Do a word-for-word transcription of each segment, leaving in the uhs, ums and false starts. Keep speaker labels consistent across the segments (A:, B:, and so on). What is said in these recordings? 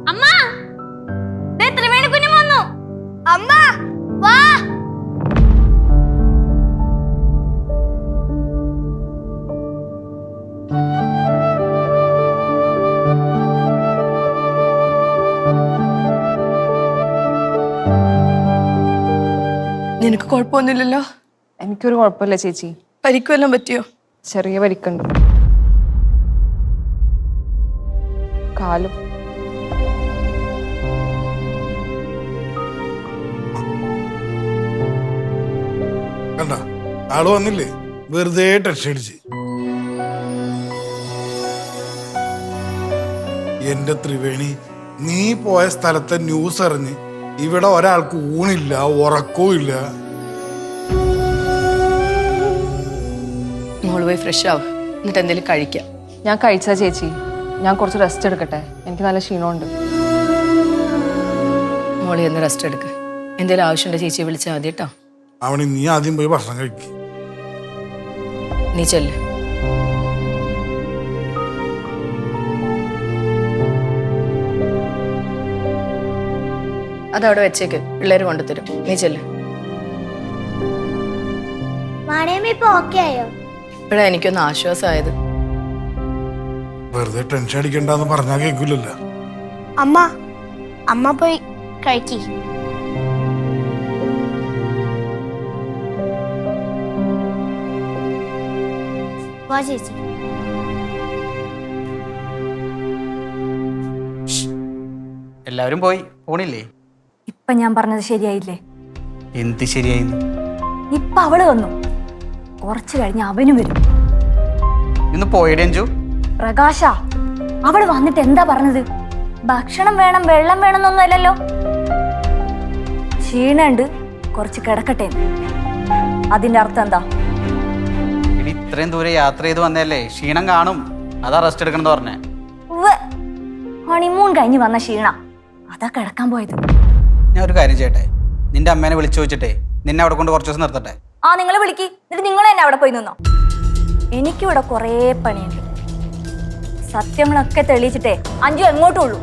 A: അമ്മ ദേ ത്രിവേണി കുഞ്ഞ് വന്നു. അമ്മ വാ.
B: നിനക്ക് കുഴപ്പമൊന്നുമില്ലല്ലോ?
C: എനിക്കൊരു കുഴപ്പമില്ല ചേച്ചി.
B: പരിക്കുവെല്ലാം പറ്റിയോ?
C: ചെറിയ പരിക്കുണ്ട്, കാലും.
D: കണ്ട ആള് വന്നില്ലേ, വെറുതെ ടെൻഷൻ അടിച്ച്. എന്റെ ത്രിവേണി, നീ പോയ സ്ഥലത്തെ ന്യൂസ് അറിഞ്ഞ് ഇവിടെ ഒരാൾക്ക് ഊണില്ല, ഉറക്കവും ഇല്ല.
B: മോള് പോയി ഫ്രഷ് ആവും, എന്നിട്ട് എന്തെങ്കിലും കഴിക്കാം.
C: ഞാൻ കഴിച്ചാ ചേച്ചി, ഞാൻ കുറച്ച് റെസ്റ്റ് എടുക്കട്ടെ, എനിക്ക് നല്ല ക്ഷീണമുണ്ട്.
B: മോളെ ഒന്ന് റെസ്റ്റ് എടുക്ക്. എന്തെങ്കിലും ആവശ്യമുണ്ടോ ചേച്ചിയെ വിളിച്ചാൽ മതി കേട്ടോ.
D: അവന് നീ ആദ്യം പോയി ഭക്ഷണം കഴിക്കും.
B: നീ ചെല്ല്. അതവിടെ വെച്ചേക്ക്, പിള്ളേര് കൊണ്ടുതരും. നീ ചെല്ല്. ഇപ്പഴാ എനിക്കൊന്ന് ആശ്വാസമായത്.
D: വെറുതെ ടെൻഷൻ അടിക്കണ്ടെന്ന് പറഞ്ഞാ കേൾക്കൂലല്ലോ.
A: അമ്മ അമ്മ പോയി കഴിക്കി. വാ ചേച്ചി.
E: എല്ലാവരും പോയി പോണില്ലേ?
F: ഇപ്പൊ ഞാൻ പറഞ്ഞത് ശരിയായില്ലേ?
E: എന്ത് ശരിയായിരുന്നു?
F: ഇപ്പൊ അവള് വന്നു, കുറച്ചു കഴിഞ്ഞ് അവനും വരും.
E: ഇന്ന് പോയിടേ അഞ്ചു?
F: പ്രകാശ, അവള് വന്നിട്ട് എന്താ പറഞ്ഞത്? ഭക്ഷണം വേണം, വെള്ളം വേണമെന്നൊന്നും അല്ലല്ലോ. ക്ഷീണുണ്ട്, കുറച്ച് കിടക്കട്ടെ. അതിന്റെ അർത്ഥം എന്താ?
E: ഇടി ഇത്രയും ദൂരെ യാത്ര ചെയ്ത് വന്നല്ലേ, ക്ഷീണം കാണും, അതാ റെസ്റ്റ് എടുക്കണമെന്ന് പറഞ്ഞേ.
F: ഹണിമൂൺ കഴിഞ്ഞ് വന്ന ക്ഷീണ, അതാ കിടക്കാൻ പോയത്.
E: ഞാൻ ഒരു കാര്യം ചെയ്യട്ടെ, നിന്റെ അമ്മേനെ വിളിച്ചു ചോദിച്ചിട്ടേ നിന്നെ അവിടെ കൊണ്ട് കുറച്ച് ദിവസം നിർത്തട്ടെ.
F: ആ, നിങ്ങൾ വിളിക്ക്, എന്നിട്ട് നിങ്ങൾ തന്നെ അവിടെ പോയി നിന്നോ. എനിക്കിവിടെ കുറേ പണിയുണ്ട്. സത്യങ്ങളൊക്കെ തെളിയിച്ചിട്ടേ അഞ്ചു എങ്ങോട്ടും ഉള്ളൂ.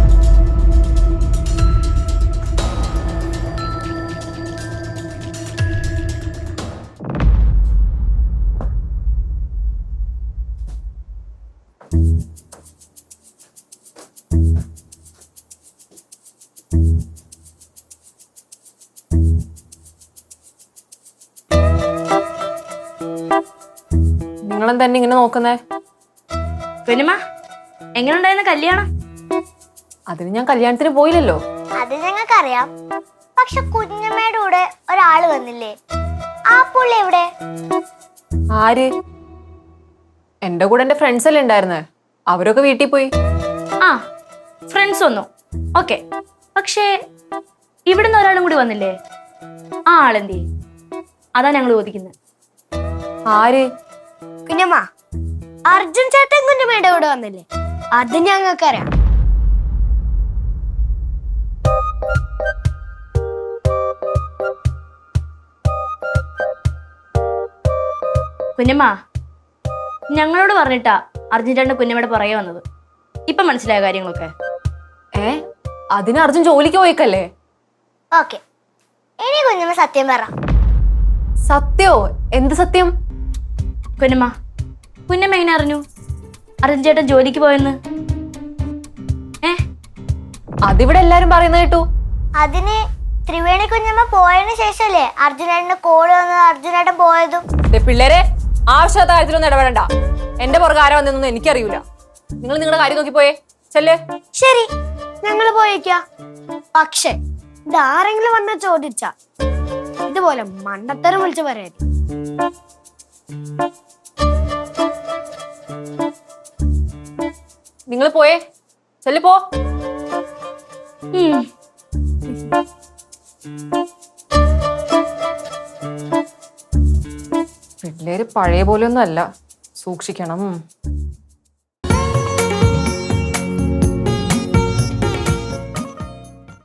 C: നിങ്ങളെന്താ എന്നെ ഇങ്ങനെ നോക്കുന്നേ?
A: കുഞ്ഞമ്മ, എങ്ങനെയുണ്ടായിരുന്നു കല്യാണം?
C: അതിന് ഞാൻ കല്യാണത്തിന് പോയില്ലല്ലോ.
A: അത് ഞങ്ങൾക്കറിയാം. പക്ഷെ കുഞ്ഞമ്മയുടെ കൂടെ ഒരാള് വന്നില്ലേ, ആ പുള്ളി എവിടെ?
C: ആര്? എന്റെ കൂടെ എന്റെ ഫ്രണ്ട്സ് അല്ലേ ഉണ്ടായിരുന്നേ, അവരൊക്കെ വീട്ടിൽ പോയി.
A: ആ, ഫ്രണ്ട്സ് വന്നു, ഓക്കെ. പക്ഷേ ഇവിടുന്ന് ഒരാളും കൂടി വന്നില്ലേ, ആ ആളെന്തേ? അതാ ഞങ്ങൾ ചോദിക്കുന്നത്.
C: ആര്?
A: കുഞ്ഞമ്മ, അർജുൻ ചേട്ടൻ കുഞ്ഞമ്മയുടെ കൂടെ വന്നില്ലേ, അത് ഞങ്ങൾക്കറിയാം. കുഞ്ഞമ്മ, ഞങ്ങളോട് പറഞ്ഞിട്ടാ അർജുൻ ചേട്ടൻ കുഞ്ഞമ്മയുടെ പുറകെ വന്നത്. ഇപ്പൊ മനസ്സിലായ കാര്യങ്ങളൊക്കെ?
C: ഏ, അതിന് അർജുൻ ജോലിക്ക് പോയിക്കല്ലേ?
A: ഓക്കെ, ഇനി കുഞ്ഞമ്മ സത്യം പറ.
C: സത്യോ? എന്ത് സത്യം?
A: കുഞ്ഞമ്മ, കുഞ്ഞമ്മ എങ്ങനെ അറിഞ്ഞു അർജുൻ ചേട്ടൻ ജോലിക്ക് പോയെന്ന്? ഏ,
C: അതിവിടെ എല്ലാരും പറയുന്നത് കേട്ടു.
A: അതിന് ത്രിവേണി കുഞ്ഞമ്മ പോയതിനു ശേഷല്ലേ അർജുനേട്ടന് കോള് വന്നത്, അർജുനേട്ടൻ പോയതും.
C: പിള്ളേരെ, ആവശ്യമില്ലാത്ത കാര്യത്തിലൊന്നും ഇടപെടണ്ട. എന്റെ പുറകെ ആരാ വന്നൊന്നും എനിക്കറിയൂല. നിങ്ങൾ നിങ്ങളുടെ കാര്യം നോക്കി പോയേ. ചെല്ലേ.
A: ശരി, ഞങ്ങള് പോയേക്കാ. പക്ഷെ ഇതാരെങ്കിലും വന്ന ചോദിച്ച ഇതുപോലെ മണ്ടത്തരം വിളിച്ചു പറയാൻ.
C: നിങ്ങൾ പോയേ. ചെല്ലു പോ. പിള്ളേര് പഴയ പോലെ ഒന്നും അല്ല, സൂക്ഷിക്കണം.